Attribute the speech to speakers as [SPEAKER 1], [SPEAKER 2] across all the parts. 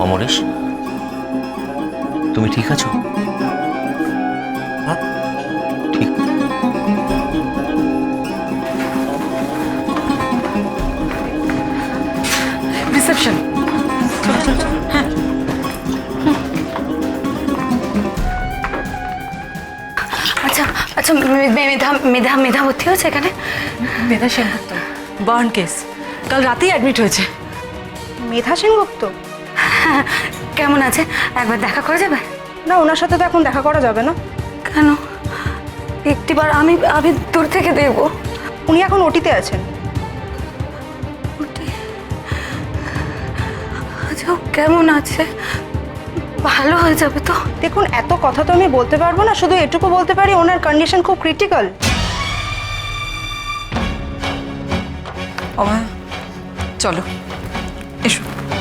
[SPEAKER 1] অমরেশ, তুমি ঠিক আছো? হ্যাঁ ঠিক।
[SPEAKER 2] রিসেপশন। হ্যাঁ
[SPEAKER 3] আচ্ছা আচ্ছা, মেধা মেধা মেধা ভর্তি হয়েছে এখানে?
[SPEAKER 2] মেধা সেনগুপ্ত, বার্ন কেস, কাল রাতেই অ্যাডমিট হয়েছে।
[SPEAKER 4] মেধা সেনগুপ্ত?
[SPEAKER 3] হ্যাঁ, কেমন আছে একবার দেখা করা যাবে?
[SPEAKER 4] না, ওনার সাথে তো এখন দেখা করা যাবে না।
[SPEAKER 3] কেন? একটিবার আমি আমি দূর থেকে দেখবো।
[SPEAKER 4] উনি এখন ওটিতে আছেন।
[SPEAKER 3] আচ্ছা, ও কেমন আছে? ভালো হয়ে যাবে তো?
[SPEAKER 4] দেখুন, এত কথা তো আমি বলতে পারবো না, শুধু এটুকু বলতে পারি ওনার কন্ডিশন খুব ক্রিটিক্যাল।
[SPEAKER 2] অভয়া, চলো এসো।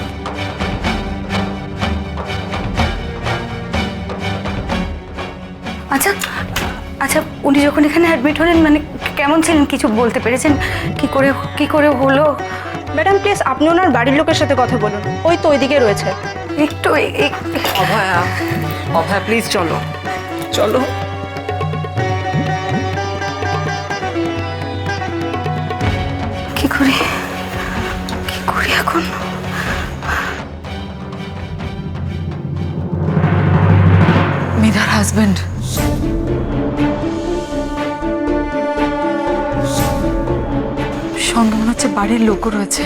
[SPEAKER 3] আচ্ছা আচ্ছা, উনি যখন এখানে অ্যাডমিট হলেন মানে কেমন ছিলেন, কিছু বলতে পেরেছেন? কি করে হলো?
[SPEAKER 4] ম্যাডাম প্লিজ, আপনি ওনার বাড়ির লোকের সাথে কথা বলুন, ওই তো ওইদিকে রয়েছে।
[SPEAKER 3] একটু
[SPEAKER 2] অভয়া, অভয়া প্লিজ চলো চলো।
[SPEAKER 3] কি করি এখন?
[SPEAKER 2] মেধার হাজবেন্ড সঙ্গে মনে হচ্ছে বাড়ির লোকও রয়েছে।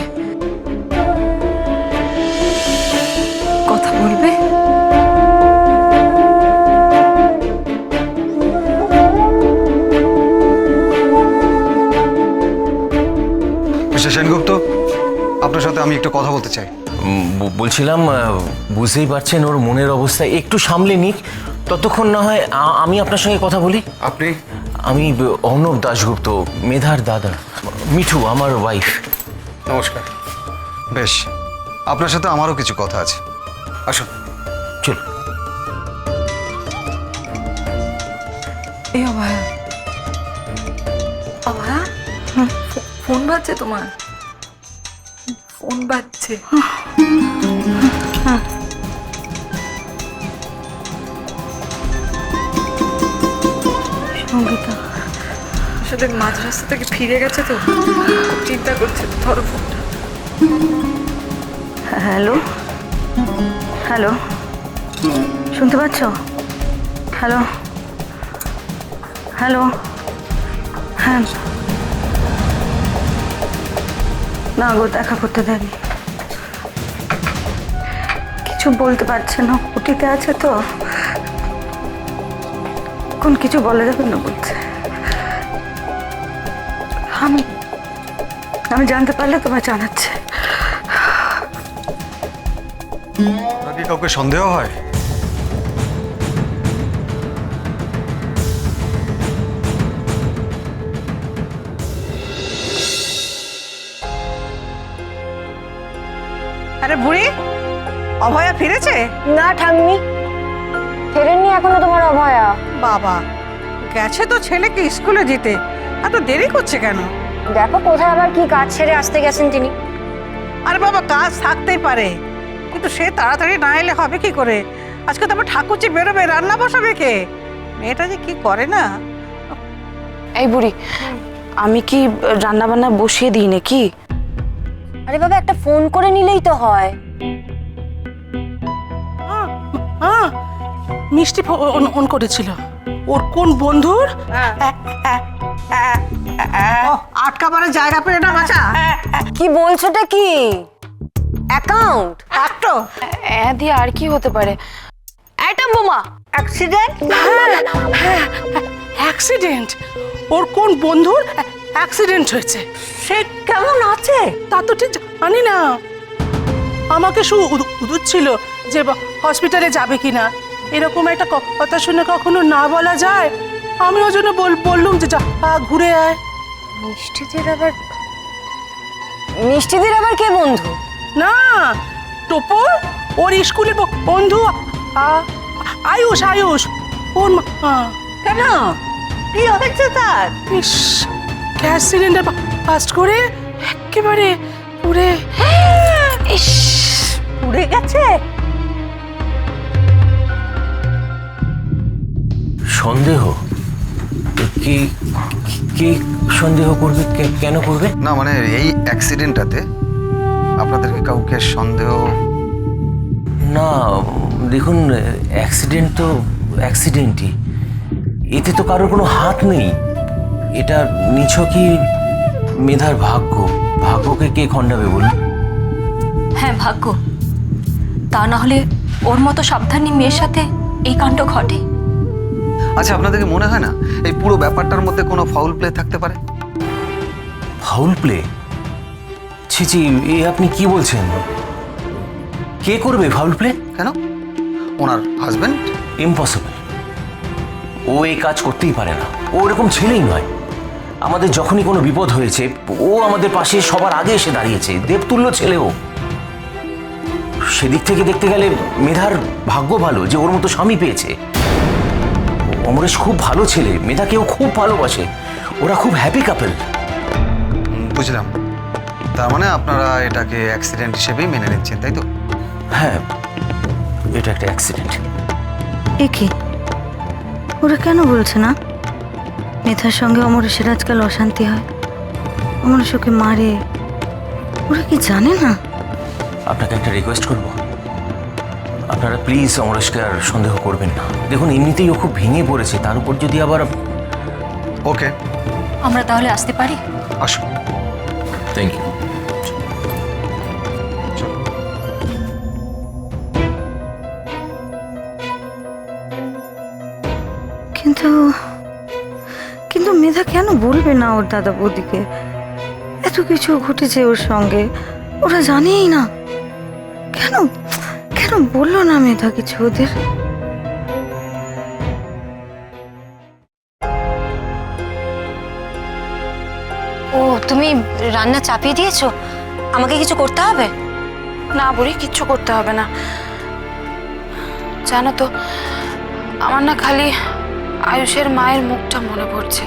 [SPEAKER 2] কথা বলবে?
[SPEAKER 5] মিস্টার সেনগুপ্ত, আপনার সাথে আমি একটু কথা বলতে চাই।
[SPEAKER 1] বলছিলাম, বুঝতেই পারছেন ওর মনের অবস্থা, একটু সামলে নিক, ততক্ষণ না হয় আমি আপনার সঙ্গে কথা বলি।
[SPEAKER 5] আপনি?
[SPEAKER 1] আমি অর্ণব দাশগুপ্ত, মেধার দাদা। মিঠু আমার ওয়াইফ।
[SPEAKER 5] নমস্কার। বেশ, আপনার সাথে আমারও কিছু কথা আছে, আসুন।
[SPEAKER 1] চলো।
[SPEAKER 2] এই অভয়া, অভয়া, ফোন বাজছে তোমার, ফোন বাজছে।
[SPEAKER 3] সঙ্গীতা
[SPEAKER 2] আসলে মাঝ রাস্তা থেকে ফিরে গেছে তো, খুব চিন্তা করছে। ধরো ফোনটা।
[SPEAKER 3] হ্যালো হ্যালো, শুনতে পাচ্ছ? হ্যালো হ্যালো, হ্যাঁ না গো, দেখা করতে দেয়নি, কিছু বলতে পারছে না, ওটিতে আছে তো, কোন কিছু বলা যাবে না বলছে। আমি জানতে পারলে তোমায় জানাচ্ছে।
[SPEAKER 5] কি কাউকে সন্দেহ হয়?
[SPEAKER 6] আরে বুড়ি, অভয়া ফিরেছে?
[SPEAKER 7] না ঠাম্মি, ফেরেননি এখনো তোমার অভয়া।
[SPEAKER 6] বাবা, গেছে তো ছেলেকে স্কুলে যেতে, এত দেরি করছে কেন?
[SPEAKER 7] দেখো কোথায় আবার কি কাজ ছেড়ে আসতে গেছেন তিনি।
[SPEAKER 6] আরে বাবা, কাজ থাকতেই পারে, কিন্তু সে তাড়াতাড়ি না এলে হবে কি করে? আজকে তো আবার ঠাকুরজি বেরোবে, রান্না বসাবে কে? মেয়েটা যে কি করে না।
[SPEAKER 3] এই বুড়ি, আমি কি রান্না বান্না বসিয়ে দিই নাকি?
[SPEAKER 7] আরে বাবা, একটা ফোন করে নিলেই তো হয়।
[SPEAKER 8] মিষ্টি ফোন করেছিল, ওর কোন বন্ধুর
[SPEAKER 6] আটকাবারের জায়গা পেলে না বাঁচা।
[SPEAKER 7] কি বলছোটা কি? অ্যাকাউন্ট
[SPEAKER 6] একটো
[SPEAKER 3] দিয়ে আর কি হতে পারে? অ্যাটম বোমা
[SPEAKER 6] অ্যাক্সিডেন্ট।
[SPEAKER 8] অ্যাক্সিডেন্ট? ওর কোন বন্ধুর অ্যাক্সিডেন্ট হয়েছে?
[SPEAKER 6] সে কেমন আছে
[SPEAKER 8] তা তো ঠিক জানি না, আমাকে ছিল যে হসপিটালে যাবে কিনা, এরকম একটা কথা শুনে কখনো না বলা যায়? আমি ওই জন্য বললুম যে যা ঘুরে আয়।
[SPEAKER 7] মিষ্টিদের আবার কে বন্ধু?
[SPEAKER 8] না, টোপর ওর স্কুলের বন্ধু আয়ুষ। আয়ুষ ওর
[SPEAKER 6] কেন? কি হয়েছে তার?
[SPEAKER 8] ইস, গ্যাস সিলিন্ডার ফাস্ট করে একেবারে পুড়ে।
[SPEAKER 6] পুড়ে গেছে?
[SPEAKER 1] কে কে সন্দেহ করবে? কেন করবে?
[SPEAKER 5] না মানে এই অ্যাক্সিডেন্টটাতে আপনাদেরকে কাউকে সন্দেহ?
[SPEAKER 1] না দেখুন, অ্যাক্সিডেন্ট তো অ্যাক্সিডেন্টই, এতে তো কারোর কোনো হাত নেই। এটা নিছকই মেধার ভাগ্য। ভাগ্যকে কে খণ্ডাবে বলুন?
[SPEAKER 3] হ্যাঁ ভাগ্য, তা না হলে ওর মতো সাবধানী মেয়ের সাথে এই কাণ্ড ঘটে।
[SPEAKER 5] আচ্ছা, আপনাদেরকে মনে হয় না এই পুরো ব্যাপারটার মধ্যে কোনো ফাউল প্লে থাকতে পারে?
[SPEAKER 1] Foul play? ছি ছি, এ আপনি কি বলছেন? কে করবে ফাউল প্লে?
[SPEAKER 5] কেন? ওনার হাজবেন্ড?
[SPEAKER 1] ইম্পসিবল। ও এই কাজ করতেই পারে না। ও এরকম ছেলেই নয়। আমাদের যখনই কোনো বিপদ হয়েছে ও আমাদের পাশে সবার আগে এসে দাঁড়িয়েছে। দেবতুল্য ছেলে ও। সেদিক থেকে দেখতে গেলে মেধার ভাগ্য ভালো যে ওর মতো স্বামী পেয়েছে। অমরেশ খুব ভালো ছেলে, মেধাকেও খুব ভালোবাসে। ওরা খুব হ্যাপি কাপল।
[SPEAKER 5] বুঝলাম। তার মানে আপনারা এটাকে অ্যাক্সিডেন্ট হিসেবেই মেনে নিচ্ছেন, তাই তো?
[SPEAKER 1] হ্যাঁ, এটা একটা অ্যাক্সিডেন্ট।
[SPEAKER 3] এ কি, ওরা কেন বলছে না মেধার সঙ্গে অমরেশের আজকাল অশান্তি হয়, অমরেশ ওকে মারে? ওরা কি জানে না?
[SPEAKER 1] আপনাকে একটা রিকোয়েস্ট করব, আপনারা প্লিজ অমরেশকে আর সন্দেহ করবেন না। দেখুন এমনিতেই ও খুব ভেঙে পড়েছে, তার উপর যদি আবার।
[SPEAKER 5] ওকে,
[SPEAKER 3] আমরা তাহলে আসতে পারি?
[SPEAKER 5] আসুন।
[SPEAKER 1] Thank you.
[SPEAKER 3] কিন্তু কিন্তু মেধা কেন বলবে না ওর দাদা বৌদিকে? এত কিছু ঘটেছে ওর সঙ্গে, ওরা জানেই না। কেন কেন বললো না মেধা কিছু ওদের?
[SPEAKER 7] ও, তুমি রান্না চাপিয়ে দিয়েছো? আমাকে কিছু করতে হবে?
[SPEAKER 2] না বুড়ি, কিচ্ছু করতে হবে না। জানো তো, আমার না খালি আয়ুষের মায়ের মুখটা মনে পড়ছে।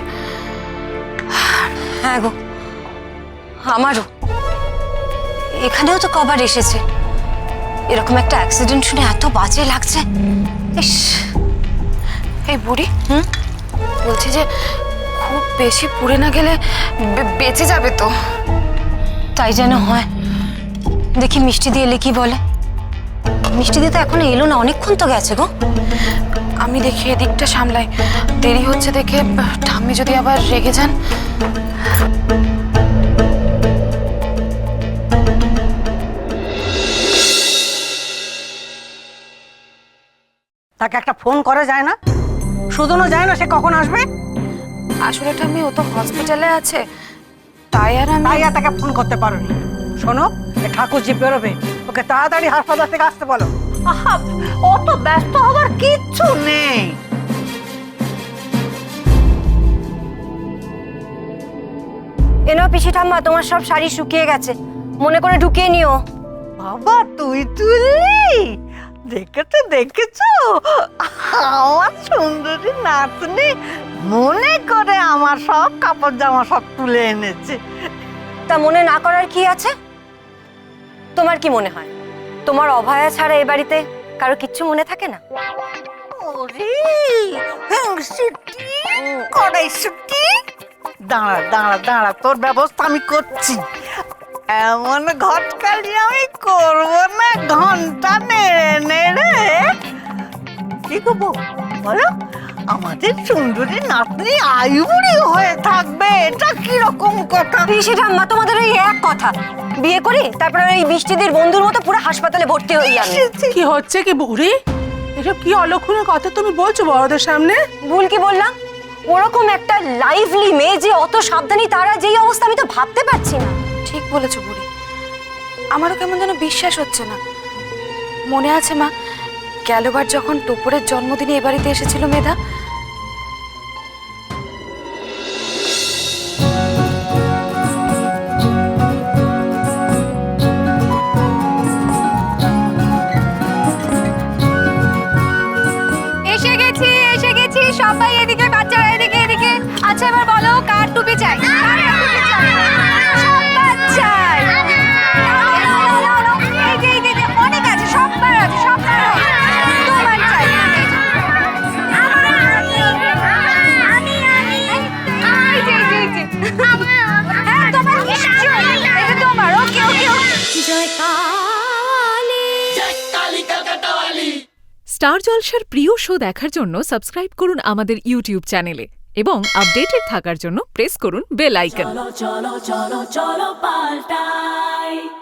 [SPEAKER 7] হ্যাঁ গো, আমারও। এখানেও তো কবার এসেছে। এরকম একটা অ্যাক্সিডেন্ট শুনে এত বাজে লাগছে। ইস।
[SPEAKER 2] এই বুড়ি, বলছি যে খুব বেশি পুড়ে না গেলে বেঁচে যাবে তো।
[SPEAKER 7] তাই যেন হয়। দেখি মিষ্টি দিয়ে এলে কি বলে। মিষ্টি দিয়ে তো এখনো এলো না, অনেকক্ষণ তো গেছে গো।
[SPEAKER 2] আমি দেখি এদিকটা সামলাই, দেরি হচ্ছে দেখে ঠাম্মি যদি আবার রেগে যান।
[SPEAKER 6] তাকে একটা ফোন করা যায় না? শুধুনো যায় না সে কখন আসবে?
[SPEAKER 2] আসলে ঠাম্মি ও তো হসপিটালে আছে, তাই আর আমি।
[SPEAKER 6] তাই আর তাকে ফোন করতে পারোনি? শোনো, এ ঠাকুরজি বেরোবে, ওকে তাড়াতাড়ি হাসপাতাল থেকে আসতে বলো। আহা, অত ব্যস্ত হবার কিচ্ছু নেই।
[SPEAKER 7] এনো পিসি ঠাম্মা, তোমার সব শাড়ি শুকিয়ে গেছে, মনে করে ঢুকিয়ে নিও।
[SPEAKER 6] বাবা তুই তুললি? দেখেছো আমার সুন্দরী নাতনি মনে করে আমার সব কাপড় জামা সব তুলে এনেছে।
[SPEAKER 7] তা মনে না করার কি আছে? তোমার কি মনে হয় তোমার অভয়া ছাড়া এ বাড়িতে কারো কিচ্ছু মনে থাকে না?
[SPEAKER 6] ওরে হিংসুটি, কড়াইশুটি, দাঁড়া দাঁড়া দাঁড়া, তোর ব্যবস্থা আমি করছি। এমন ঘটকালি আমি করবো না, ঘন্টা নেড়ে নেড়ে। কি করবো বলো? আমাদের সুন্দরী নাতনি আয়ুবুড়ি হয়ে থাকবে, এটা কিরকম কথা?
[SPEAKER 7] পিসি ঠাম্মা, তোমাদের ওই এক কথা, বিয়ে করি তারপরে ওই বৃষ্টিদের বন্ধুর মতো পুরো হাসপাতালে ভর্তি হই আমি।
[SPEAKER 8] কি হচ্ছে কি বুড়ি? এসব কি অলক্ষণের কথা তুমি বলছো বড়দের সামনে?
[SPEAKER 7] ভুল কি বললাম? ওরকম একটা লাইভলি মেয়ে যে অত সাবধানী, তারা যেই অবস্থা আমি তো ভাবতে পারছি না।
[SPEAKER 2] ঠিক বলেছো বুড়ি, আমারও কেমন যেন বিশ্বাস হচ্ছে না। মনে আছে মা, গেলবার যখন টোপরের জন্মদিনে এ বাড়িতে এসেছিল মেধা,
[SPEAKER 3] এসে গেছি সবাই, এদিকে বাচ্চারা, এদিকে এদিকে। আচ্ছা এবার বলো, কার টুপি চাই? সবার চাই। অনেক আছে, সবার আছে, সবার তোমার চাই।
[SPEAKER 9] স্টার জলসার প্রিয় শো দেখার জন্য সাবস্ক্রাইব করুন আমাদের ইউটিউব চ্যানেলে এবং আপডেটেড থাকার জন্য প্রেস করুন বেল আইকন।
[SPEAKER 10] চলো চলো চলো চলো পাল্টাই